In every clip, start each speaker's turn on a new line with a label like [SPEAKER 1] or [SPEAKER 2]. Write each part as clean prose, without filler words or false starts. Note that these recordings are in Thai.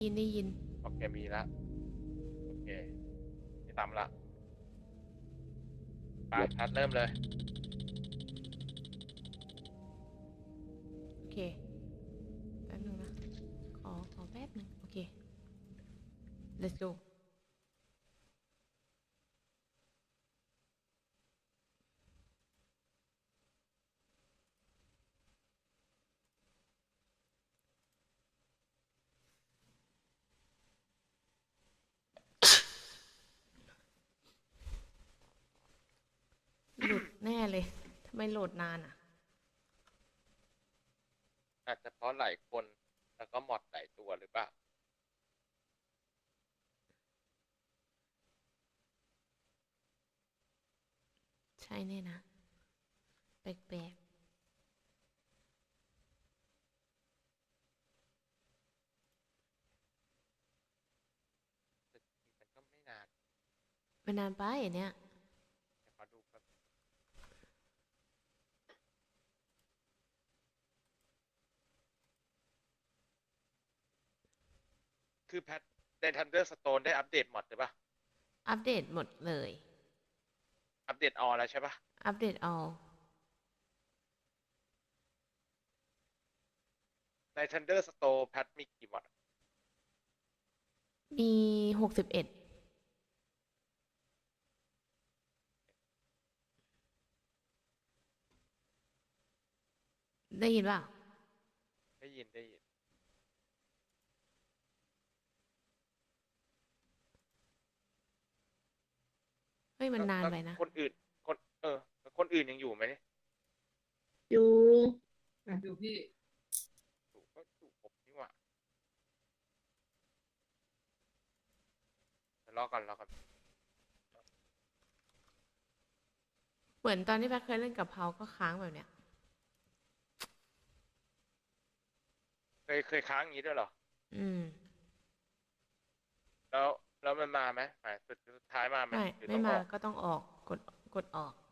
[SPEAKER 1] ได้ยิน
[SPEAKER 2] โอเคมีแล้วโอเคนี่ตามละไปทัดเริ่มเลย
[SPEAKER 1] โอเคแป๊บนึงนะขอแป๊บนึงโอเค let's go หลุดแน่เลยทำไมโหลดนานอ่ะ
[SPEAKER 2] อาจจะเพราะหลายคนแล้วก็มอดหลายตัวหรือเปล่า
[SPEAKER 1] ใช่แน่นะแปลก
[SPEAKER 2] แต่จริงๆมันก็ไม่นาน
[SPEAKER 1] ๆไม่นานไปอันเนี้ย
[SPEAKER 2] แต่ขอดูครับคือแพทใน Thunderstone ได้อัปเดตมอดหรือเปล่า
[SPEAKER 1] อัปเดตหมดเลย
[SPEAKER 2] อัปเดตออแล้วใช่ปะ
[SPEAKER 1] อัปเดตเอา
[SPEAKER 2] ใน Thunderstone แพทมีกี่มอด
[SPEAKER 1] มี61ได้ยินเปล่า
[SPEAKER 2] ได้ยิน
[SPEAKER 1] เฮ้ยมัน
[SPEAKER 2] แล้ว
[SPEAKER 1] นานไปนะ
[SPEAKER 2] คนอื่นคนแล้วคนอื่นยังอยู่ไหมเนี่ย
[SPEAKER 3] อยู่
[SPEAKER 2] อยู่พี่อยู่ก็อยู่ผมนี่หว่าเดี๋ยวรอก่อน
[SPEAKER 1] เหมือนตอนที่แพทเคยเล่นกับเพาก็ค้างแบบเนี้ย
[SPEAKER 2] เคยค้างอย่างนี้ด้วยเหรอ
[SPEAKER 1] อืม
[SPEAKER 2] แล้วแล้วมันมาไหมหมายสุดท้ายมาไหมหรือ
[SPEAKER 1] ไม่มา
[SPEAKER 2] ต้องออก
[SPEAKER 1] ก็ต้องออกกดออก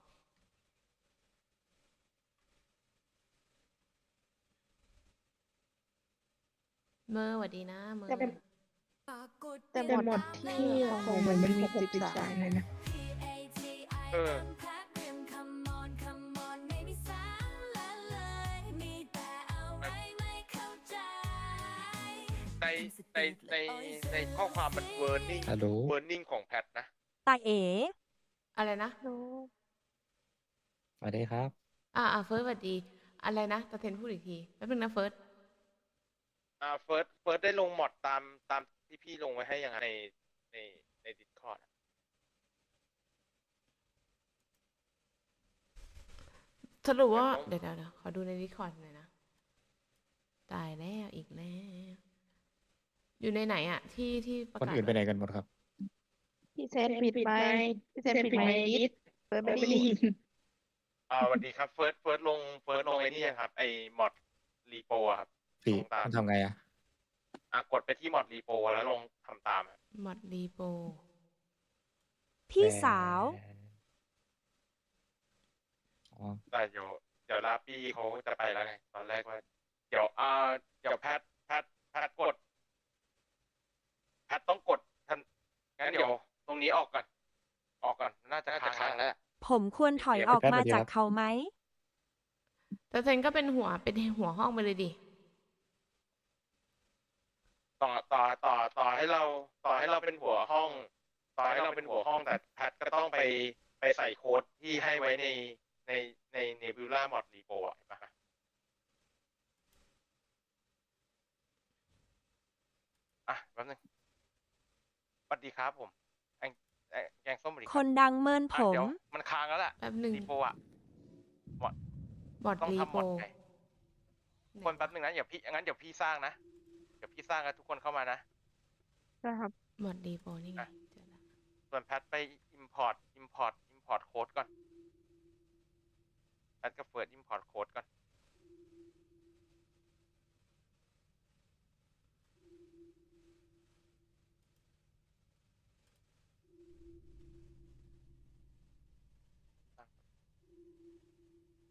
[SPEAKER 1] เมอร์สวัสดีนะเมอ
[SPEAKER 3] แต่
[SPEAKER 1] ร์
[SPEAKER 3] แต่หมดที่ของมันมี63เลยนะ
[SPEAKER 2] เออในในในในข้อความมัน
[SPEAKER 4] ฮัลโหล
[SPEAKER 2] warning ของแพทนะ
[SPEAKER 5] ตาเอ๋
[SPEAKER 1] อะไรนะ
[SPEAKER 3] โน้
[SPEAKER 4] สวัสดีครับ
[SPEAKER 1] เฟิร์สสวัสดีอะไรนะตาเทนพูดอีกทีแป๊บนึงนะเฟิร์ส
[SPEAKER 2] เฟิร์สได้ลงมอดตามที่พี่ลงไว้ให้ยังไงในใน Discord อะ
[SPEAKER 1] สรุปว่า
[SPEAKER 2] ยังต้อง
[SPEAKER 1] เดี๋ยวขอดูในดิสคอร์ดหน่อยนะตายแล้วอีกแล้วอยู่ในไหนอะที่ประ
[SPEAKER 4] คน
[SPEAKER 1] กาศ
[SPEAKER 4] อื่นไปไหนกันหมดครับ
[SPEAKER 3] พี่เซนปิดไมค์พี่เซนปิดไมค์นิดเปิดไม่ได้ยิน
[SPEAKER 2] สวัสดีครับเฟิร์สลงไอ้นี่ครับไอ้มอดรีโปครับ
[SPEAKER 4] พี่
[SPEAKER 2] ลงตาม
[SPEAKER 4] มันทำไงอ่ะ
[SPEAKER 2] กดไปที่มอดรีโปแล้วลงทำตามอะ
[SPEAKER 1] มอดรีโป
[SPEAKER 5] พี่สาว
[SPEAKER 4] อ๋อ
[SPEAKER 2] แต่เดี๋ยวลาปี้เขาจะไปแล้วไงตอนแรกว่าเดี๋ยวเดี๋ยวแพทต้องกดทันงั้นเดี๋ยวตรงนี้ออกก่อนน่าจะค้างแล้ว
[SPEAKER 5] ผมควรถอยออกมาจากเขาไหม
[SPEAKER 1] ตาเทนก็เป็นหัวห้องไปเลยดิ
[SPEAKER 2] ต่อให้เราเป็นหัวห้องแต่แพทก็ต้องไปใส่โค้ดที่ให้ไว้ในใน Nebula Mod Repo อ่ะเห็นปะแป๊บนึงสวัสดีครับผมแกงส้มสวัสดี
[SPEAKER 5] ค
[SPEAKER 2] ครับ
[SPEAKER 5] นดังเมินผม
[SPEAKER 2] เดี๋ยวมันค้างแล้วแหละ
[SPEAKER 1] แป๊บนึง
[SPEAKER 2] Repo อ่ะมอด
[SPEAKER 1] มอด
[SPEAKER 2] ต้อง
[SPEAKER 1] รีโป
[SPEAKER 2] ทำมอดไงคนแป๊บนึงนะงั้นเดี๋ยวพี่สร้างนะเดี๋ยวพี่สร้างแล้วทุกคนเข้ามานะ
[SPEAKER 3] นะครับ
[SPEAKER 1] มอดรีโปนี่ไง
[SPEAKER 2] อ่ะ
[SPEAKER 1] เจอแล้ว
[SPEAKER 2] ส่วนแพทไป import โค้ดก่อนแพทก็เปิด import โค้ดก่อน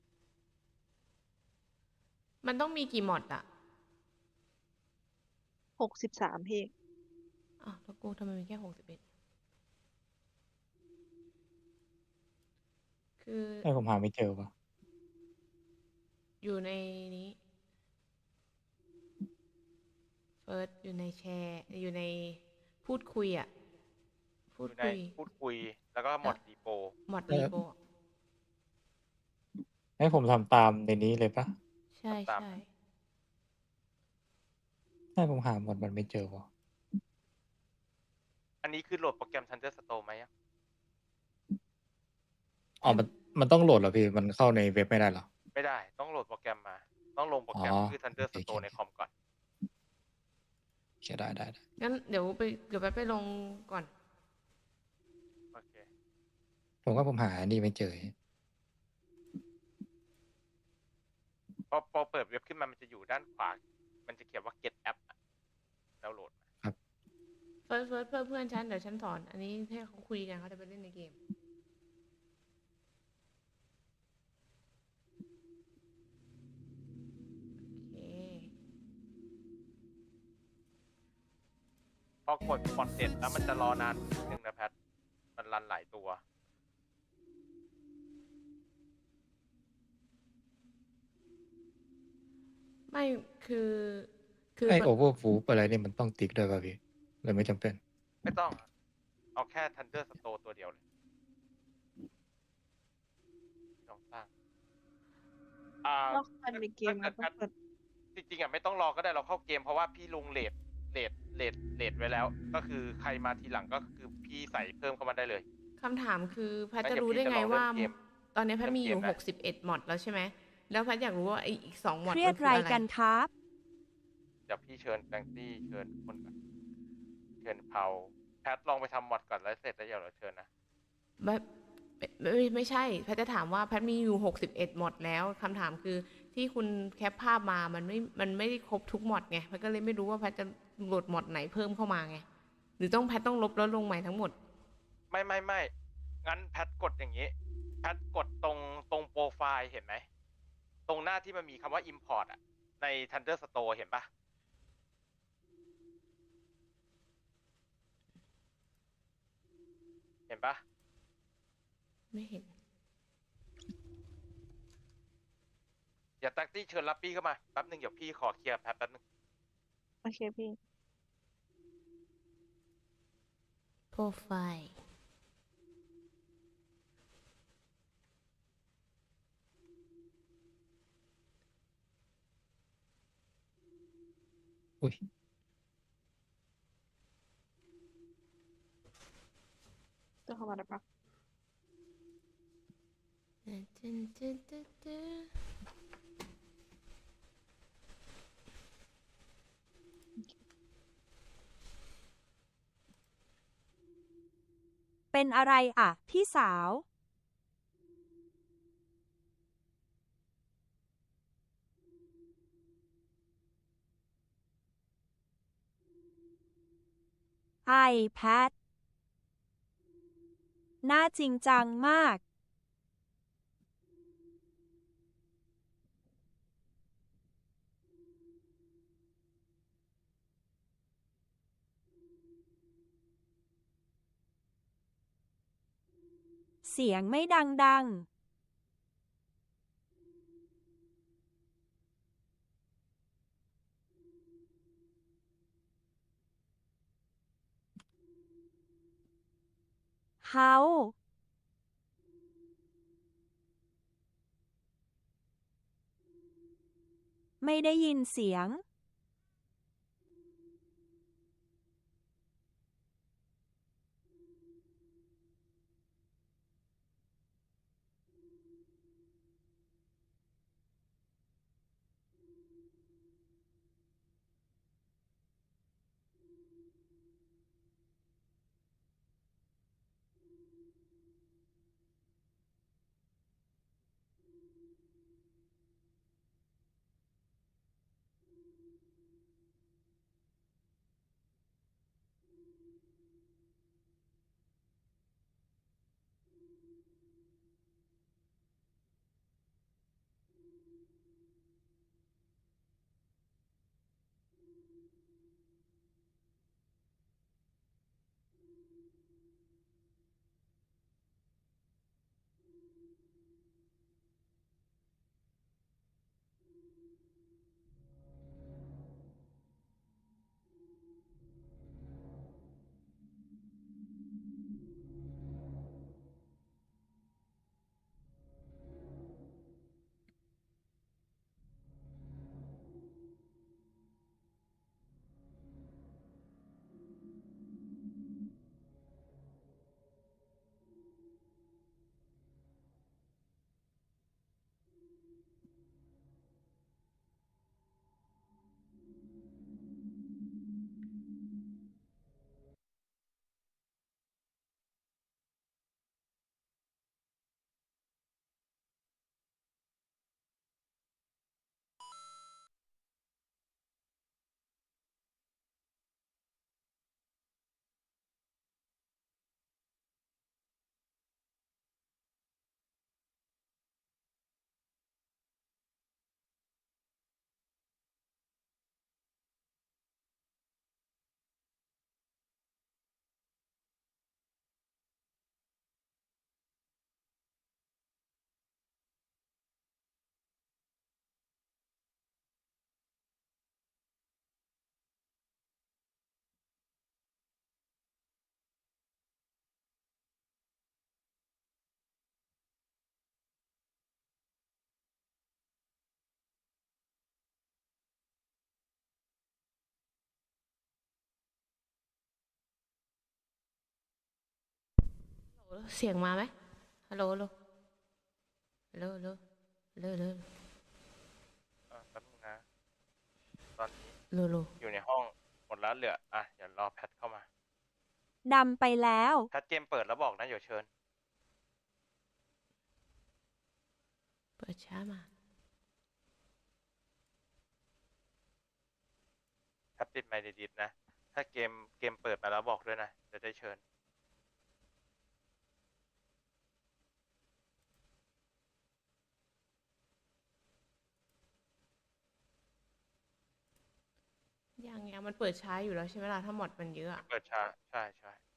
[SPEAKER 1] มันต้องมีกี่มอดอะ
[SPEAKER 3] 63พี่
[SPEAKER 1] อ้าวแล้วกูทำไมมีแค่61คือ
[SPEAKER 4] ให้ผมหาไม่เจอวะ
[SPEAKER 1] อยู่ในนี้เฟิร์สอยู่ในแชร์อยู่ในพูดคุยอ่ะ พู
[SPEAKER 2] อ
[SPEAKER 1] ด
[SPEAKER 2] ยู่ใน
[SPEAKER 1] คุย
[SPEAKER 2] พูดคุยแล้วก็หมดรีโป
[SPEAKER 1] หมดรีโปอะ
[SPEAKER 4] ให้ผมทำตามในนี้เลยปะ
[SPEAKER 1] ใช่
[SPEAKER 2] ตาม
[SPEAKER 1] ใช่
[SPEAKER 4] ให้ผมหาหมดมันไม่เจอวะ
[SPEAKER 2] อันนี้คือโหลดโปรแกรม Thunderstone ไหมอะ
[SPEAKER 4] อ๋อมันต้องโหลดเหรอพี่ มันเข้าในเว็บไม่ได้เหรอ
[SPEAKER 2] ไม่ได้ต้องโหลดโปรแกรมมา ต้องลงโปรแกรม
[SPEAKER 4] อ๋อ
[SPEAKER 2] ชื่อ
[SPEAKER 4] โอเค
[SPEAKER 2] Thunderstone ในคอมก่อน
[SPEAKER 4] โอเคได้ได้
[SPEAKER 1] งั้นเดี๋ยวแป๊บไปลงก่อน
[SPEAKER 2] โอเค
[SPEAKER 4] ผมว่าผมหาอันนี้ไม่เจอ
[SPEAKER 2] พอเปิดเว็บขึ้นมามันจะอยู่ด้านขวา มันจะเขียนว่า get app อะดาวน์โหลดมา
[SPEAKER 1] เฟิร์สเพื่อนฉันเดี๋ยวฉันสอน อันนี้ให้เขาคุยกันเขาจะไปเล่นในเกม โอเค
[SPEAKER 2] พอกดพอร์ตเสร็จแล้วมันจะรอนานนิดนึงนะแพท มันรันหลายตัว
[SPEAKER 1] ไม่คือ
[SPEAKER 4] ไอโอเวอร์ฟูปอะไรนี่มันต้องติ๊กด้วยป่ะพี่หรือไม่จำเป็น
[SPEAKER 2] ไม่ต้อง เอาแค่ Thunderstone ตัวเดียวเลยลองสร้าง
[SPEAKER 3] แล้วคันในเกมมันต้องเปิด
[SPEAKER 2] จริงๆอ่ะไม่ต้องรอก็ได้เราเข้าเกมเพราะว่าพี่ลงเลทไว้แล้ว ก็คือใครมาทีหลังก็คือพี่ใส่เพิ่มเข้ามาได้เลย
[SPEAKER 1] คำถามคือแพท
[SPEAKER 2] งั้น
[SPEAKER 1] จะ
[SPEAKER 2] เดี๋ยว
[SPEAKER 1] รู้ได้
[SPEAKER 2] พี่จะ
[SPEAKER 1] ไง
[SPEAKER 2] ลองเล่น
[SPEAKER 1] ว่า
[SPEAKER 2] เกม
[SPEAKER 1] ตอนนี้แพทมีอยู่
[SPEAKER 2] เล่นเกมนะ
[SPEAKER 1] 61 มอดแล้วใช่ไหม แล้วแพทอยากรู้ว่าไออีก2 มอด
[SPEAKER 5] เครีย
[SPEAKER 1] มั
[SPEAKER 5] ด
[SPEAKER 1] นคื
[SPEAKER 5] ไร
[SPEAKER 1] ออะไร
[SPEAKER 5] กันครับ
[SPEAKER 2] เดี๋ยวพี่เชิญแบงตี้เชิญคนก่อนเชิญเผาแพทลองไปทำมอดก่อนแล้วเสร็จแล้วเดี๋ยวเราเชิญนะ
[SPEAKER 1] แบบไม่ใช่ แพทจะถามว่าแพทมีอยู่61 มอดแล้วคำถามคือที่คุณแคปภาพมามันไม่ได้ครบทุกมอดไงแพทก็เลยไม่รู้ว่าแพทจะโหลดมอดไหนเพิ่มเข้ามาไง หรือต้องแพทต้องลบแล้วลงใหม่ทั้งหมด
[SPEAKER 2] ไม่งั้นแพทกดอย่างนี้ แพทกดตรงโปรไฟล์เห็นไหม ตรงหน้าที่มันมีคำว่า import อ่ะ ใน Thunderstone เห็นปะเห็นปะ
[SPEAKER 1] ไม่เห็น
[SPEAKER 2] อย่าแท็กซี่เชิญรับพี่เข้ามาแป๊บนึงเดี๋ยวพี่ขอเคลียร์แป๊บนึง
[SPEAKER 3] โอเคพี่
[SPEAKER 1] โปรไฟล์
[SPEAKER 4] อุ้ย
[SPEAKER 3] จะเข้ามาได้ปะ
[SPEAKER 5] เป็นอะไรอ่ะ พี่สาว ไอแพทน่าจริงจังมาก เสียงไม่ดังๆเฮาไม่ได้ยินเสียง
[SPEAKER 1] เสียงมาไหมฮัลโหลฮัลโหลฮัลโหลฮัลโหลฮัลโหลฮัลโหล
[SPEAKER 2] แป๊บนึงนะ ตอนนี้
[SPEAKER 1] ฮัลโหลฮัลโหล
[SPEAKER 2] อยู่ในห้องหมดแล้วเหลือเดี๋ยวรอแพทเข้ามา
[SPEAKER 5] ดำไปแล้ว
[SPEAKER 2] แพทเกมเปิดแล้วบอกนะเดี๋ยวเชิญ
[SPEAKER 1] เปิดช้ามา
[SPEAKER 2] แพทปิดไมค์ดีๆนะ ถ้าเกมเปิดมาแล้วบอกด้วยนะ จะได้เชิญ
[SPEAKER 1] ยังมันเปิดช้าอยู่แล้วใช่ไหมล่ะถ้าหมดมันเยอะอะ
[SPEAKER 2] เปิดช้าใช่